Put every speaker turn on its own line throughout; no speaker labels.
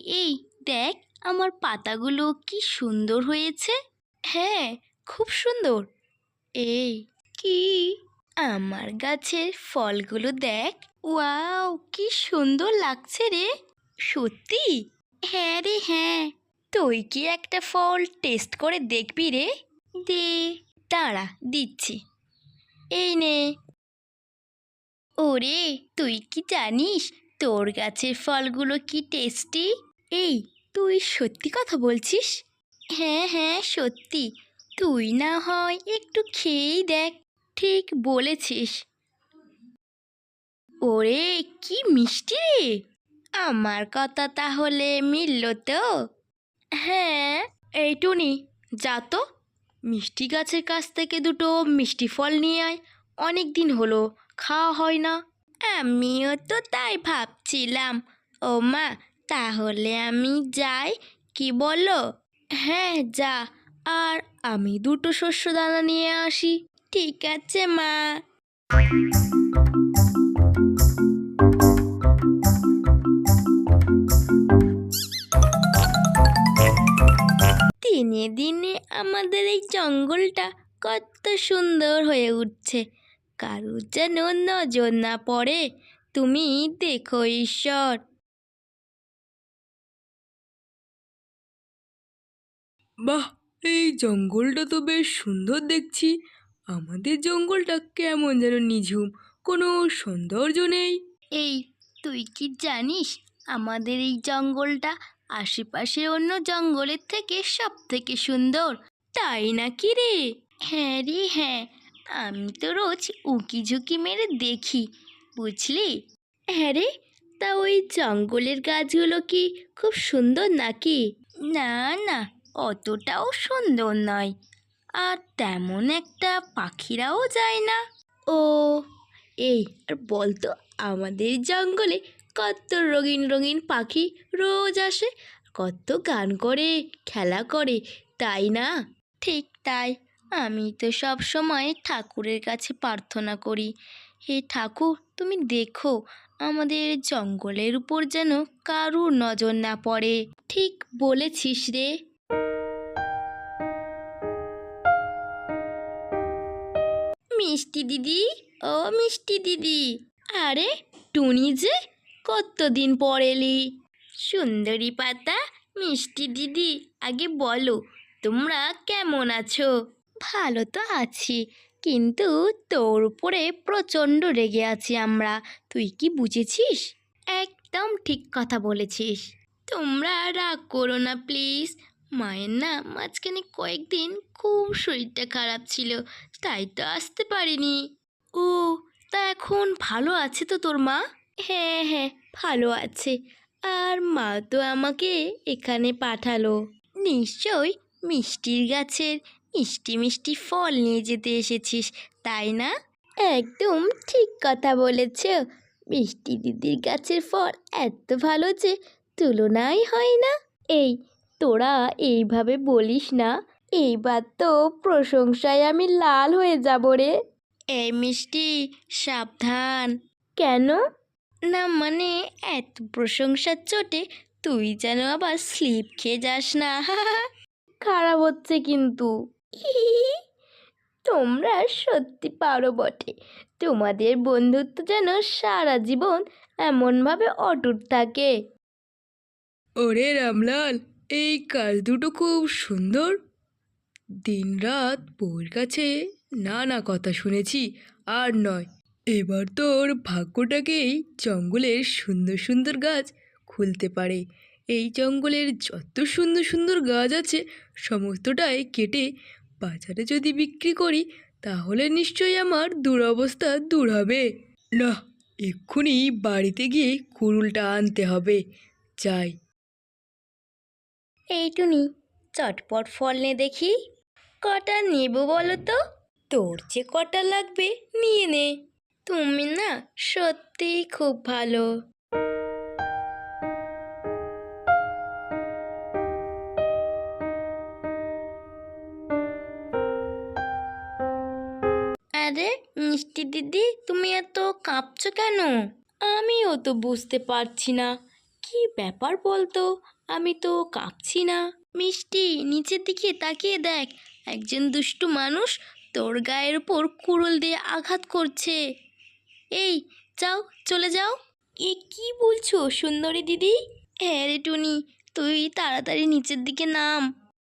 এই দেখ, আমার পাতাগুলো কি সুন্দর হয়েছে। হ্যাঁ, খুব সুন্দর। এই কি, আমার গাছের ফলগুলো দেখ। ওয়াও, কি সুন্দর লাগছে রে। সত্যি? হ্যাঁ রে হ্যাঁ। তুই কি একটা ফল টেস্ট করে দেখবি রে? দে, দাঁড়া দিচ্ছি। এই নে। ওরে, তুই কি জানিস তোর গাছের ফলগুলো কি টেস্টি? এই, তুই সত্যি কথা বলছিস? হ্যাঁ হ্যাঁ, সত্যি। তুই না হয় একটু খেয়েই দেখ। ঠিক বলেছিস। ওরে, কি মিষ্টি রে। আমার কথা তাহলে মিলল তো? হ্যাঁ। এই টুনি, যা তো মিষ্টি গাছের কাছ থেকে দুটো মিষ্টি ফল নিয়ে আয়। অনেক দিন হলো খাওয়া হয় না। আমিও তো তাই ভাবছিলাম। ও মা, তাহলে আমি যাই, কি বলো? হ্যাঁ যা, আর আমি দুটো শস্য দানা নিয়ে আসি। ঠিক আছে মা। দিনে দিনে আমাদের এই জঙ্গলটা কত সুন্দর হয়ে উঠছে। কারুর যেন নজর না পড়ে। তুমি দেখো ঈশ্বর।
বাহ, এই জঙ্গলটা তো বেশ সুন্দর দেখছি। আমাদের জঙ্গলটা কেমন যেন নিঝুম, কোনো সৌন্দর্য নেই।
এই, তুই কি জানিস আমাদের এই জঙ্গলটা আশেপাশের অন্য জঙ্গলের থেকে সব থেকে সুন্দর? তাই নাকি রে? হ্যাঁ রে হ্যাঁ, আমি তো রোজ উঁকি ঝুঁকি মেরে দেখি, বুঝলি? হ্যাঁ রে, তা ওই জঙ্গলের গাছগুলো কি খুব সুন্দর নাকি? না না, অতটাও সুন্দর নয়। আর তেমন একটা পাখিরাও যায় না। ও, এই আর বলতো, আমাদের জঙ্গলে কত রঙিন রঙিন পাখি রোজ আসে, কত গান করে, খেলা করে, তাই না? ঠিক তাই। আমি তো সব সময় ঠাকুরের কাছে প্রার্থনা করি, হে ঠাকুর, তুমি দেখো আমাদের জঙ্গলের উপর যেন কারুর নজর না পড়ে। ঠিক বলেছিস রে। মিষ্টি দিদি, ও মিষ্টি দিদি। আরে টুনি যে, কতদিন পর এলি। সুন্দরী পাতা, মিষ্টি দিদি, আগে বলো তোমরা কেমন আছো? ভালো তো আছি, কিন্তু তোর উপরে প্রচণ্ড রেগে আছি আমরা। তুই কি বুঝেছিস? একদম ঠিক কথা বলেছিস। তোমরা রাগ করো না প্লিজ। মায়ের না মাঝখানে কয়েকদিন খুব শরীরটা খারাপ ছিল, তাই তো আসতে পারিনি। ও, তা এখন ভালো আছে তো তোর মা? হ্যাঁ হ্যাঁ, ভালো আছে। আর মা তো আমাকে এখানে পাঠালো। নিশ্চয় মিষ্টির গাছের মিষ্টি মিষ্টি ফল নিয়ে যেতে এসেছিস, তাই না? একদম ঠিক কথা বলেছ। মিষ্টি দিদির গাছের ফল এত ভালো যে তুলনাই হয় না। এই, তোরা এইভাবে বলিস না, এইবার তো প্রশংসায় আমি লাল হয়ে যাব রে। এই মিষ্টি, সাবধান। কেন? না মানে, এত প্রশংসার চোটে তুই যেন আবার স্লিপ খেয়ে যাস না। খারাপ হচ্ছে কিন্তু। তোমরা সত্যি পারো বটে। তোমাদের বন্ধুত্ব যেন সারা জীবন এমনভাবে অটুট থাকে।
ওরে রামলাল, এই কাজ দুটো খুব সুন্দর। দিনরাত বউয়ের কাছে নানা কথা শুনেছি, আর নয়, এবার তোর ভাগ্যটাকেই জঙ্গলের সুন্দর সুন্দর গাছ খুলতে পারে। এই জঙ্গলের যত সুন্দর সুন্দর গাছ আছে সমস্তটাই কেটে বাজারে যদি বিক্রি করি, তাহলে নিশ্চয়ই আমার দুরবস্থা দূর হবে। না, এক্ষুনি বাড়িতে গিয়ে কুড়ুলটা আনতে হবে। যাই।
এই টুনি, চটপট ফল নে দেখি। কটা নেব বলো তো? তোর যে কটা লাগবে নিয়ে নে। তুমি না সত্যিই খুব ভালো। আরে মিষ্টি দিদি, তুমি এত কাঁপছো কেন? আমিও তো বুঝতে পারছি না কি ব্যাপার বলতো? আমি তো কাঁপছি না। মিষ্টি, নিচের দিকে তাকিয়ে দেখ, একজন দুষ্টু মানুষ তোর গায়ের উপর কুড়ুল দিয়ে আঘাত করছে। এই, যাও, চলে যাও। এ কি বলছো সুন্দরী দিদি? হ্যাঁ রে টুনি, তুই তাড়াতাড়ি নিচের দিকে নাম।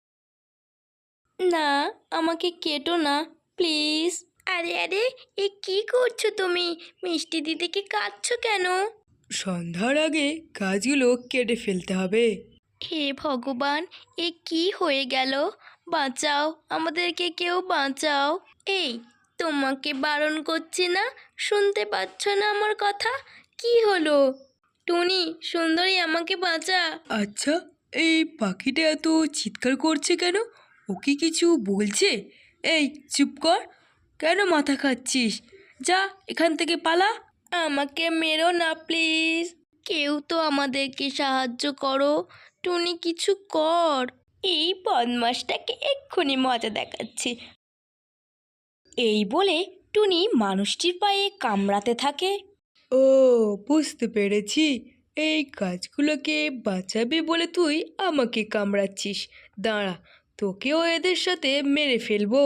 না, আমাকে কেটো না, প্লিজ। আরে আরে, এ কি করছো তুমি? মিষ্টি দিদিকে কাঁদছো কেন?
সন্ধ্যার আগে গাছগুলো কেটে ফেলতে হবে।
হে ভগবান, এ কি হয়ে গেল? বাঁচাও, আমাদেরকে কেউ বাঁচাও। এই, তোমাকে বারণ করছি না, শুনতে পাচ্ছ না আমার কথা? কি হলো? টুনি, সুন্দরী, আমাকে বাঁচা।
আচ্ছা, এই পাখিটা এত চিৎকার করছে কেন? ও কি কিছু বলছে? এই চুপ কর, কেন মাথা খাচ্ছিস? যা এখান থেকে পালা।
আমাকে মেরো না প্লিজ, কেউ তো আমাদেরকে সাহায্য করো। টুনি, কিছু কর। এই বদমাসটাকে এক্ষুনি মজা দেখাচ্ছি। এই বলে টুনি মানুষটির পায়ে কামড়াতে থাকে।
ও, বুঝতে পেরেছি, এই গাছগুলোকে বাঁচাবে বলে তুই আমাকে কামড়াচ্ছিস। দাঁড়া, তোকেও এদের সাথে মেরে ফেলবো।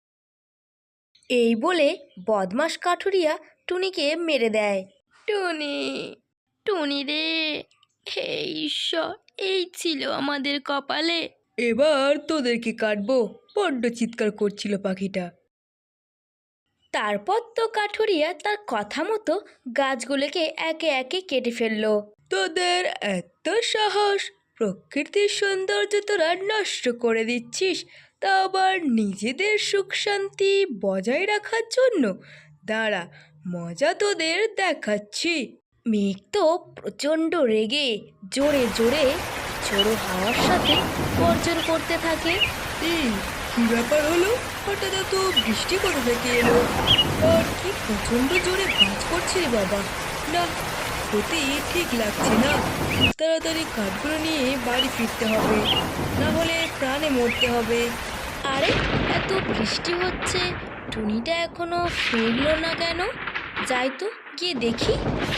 এই বলে বদমাস কাঠুরিয়া টুনিকে মেরে দেয়। টুনি, টুনি রে, হে ঈশ্বর, এই ছিল আমাদের কপালে।
এবার তোদেরকে কাটবো। বড্ড চিৎকার করছিল পাখিটা।
তারপর তো কাঠুরিয়া তার কথা মতো গাছগুলোকে একে একে কেটে ফেললো।
তোদের এত সাহস! প্রকৃতির সৌন্দর্য তোরা নষ্ট করে দিচ্ছিস, তা আবার নিজেদের সুখ শান্তি বজায় রাখার জন্য। দাঁড়া, মজা তোদের দেখাচ্ছি।
মেঘ তো প্রচণ্ড রেগে জোরে জোরে ঝোড়ো হাওয়ার সাথে গর্জন করতে থাকে।
এই কি ব্যাপার হলো? হঠাৎ এত বৃষ্টি কোথা থেকে এলো? আর কি প্রচণ্ড জোরে বাজ করছে রে বাবা! না, সত্যি ঠিক লাগছে না। তাড়াতাড়ি কাঠগুলো নিয়ে বাড়ি ফিরতে হবে, না হলে প্রাণে মরতে হবে।
আরে, এত বৃষ্টি হচ্ছে, টুনিটা এখনো ফিরলো না কেন? যাই তো, গিয়ে দেখি।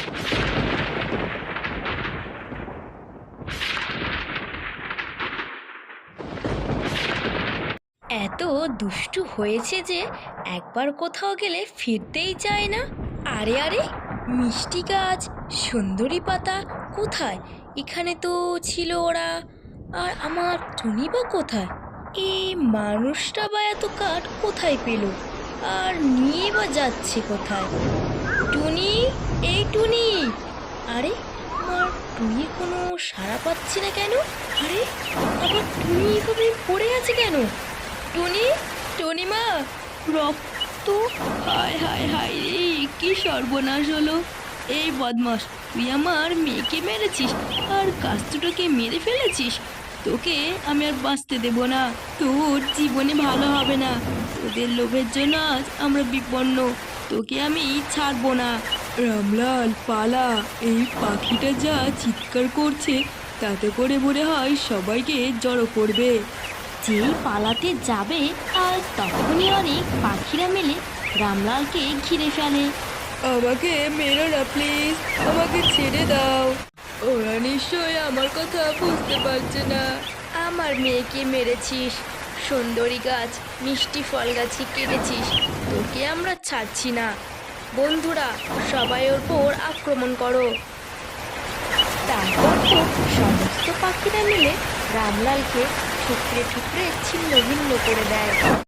এত দুষ্টু হয়েছে যে একবার কোথাও গেলে ফিরতেই চায় না। আরে আরে, মিষ্টি গাছ, সুন্দরী পাতা কোথায়? এখানে তো ছিল ওরা। আর আমার টুনি বা কোথায়? এই মানুষটা বা এত কাঠ কোথায় পেল? আর নিয়ে বা যাচ্ছে কোথায়? টুনি, এই টুনি! আরে, আমার টুনির কোনো সাড়া পাচ্ছি না কেন? আরে, আমার টুনি এভাবে পড়ে আছে কেন? টুনি, টুনিমা! রক্ত! হায় হায় হায় রে, কি সর্বনাশ হলো! এই বদমাস, তুই আমার মেয়েকে মেরেছিস আর গাছ দুটোকে মেরে ফেলেছিস। তোকে আমি আর বাঁচতে দেব না, তোর জীবনে ভালো হবে না। তোদের লোভের জন্য আজ আমরা বিপন্ন, তোকে আমি ছাড়বো না।
রামলাল, পালা! এই পাখিটা যা চিৎকার করছে, তাতে করে মনে হয় সবাইকে জড়ো করবে।
যেই পালাতে যাবে আর তখনই অনেক পাখিরা মিলে রামলালকে ঘিরে ফেলে।
আমাকে মেরো না প্লিজ, আমাকে ছেড়ে দাও। ওরা নিশ্চয়ই আমার কথা বুঝতে পারছে না।
আমার মেয়েকে মেরেছিস, সুন্দরী গাছ, মিষ্টি ফল গাছে কেটেছিস, তোকে আমরা ছাড়ছি না। বন্ধুরা, সবাই ওর উপর আক্রমণ করো। তারপর তো সমস্ত পাখিরা মিলে রামলালকে ঠুকরে ঠুকরে ছিন্ন ভিন্ন করে দেয়।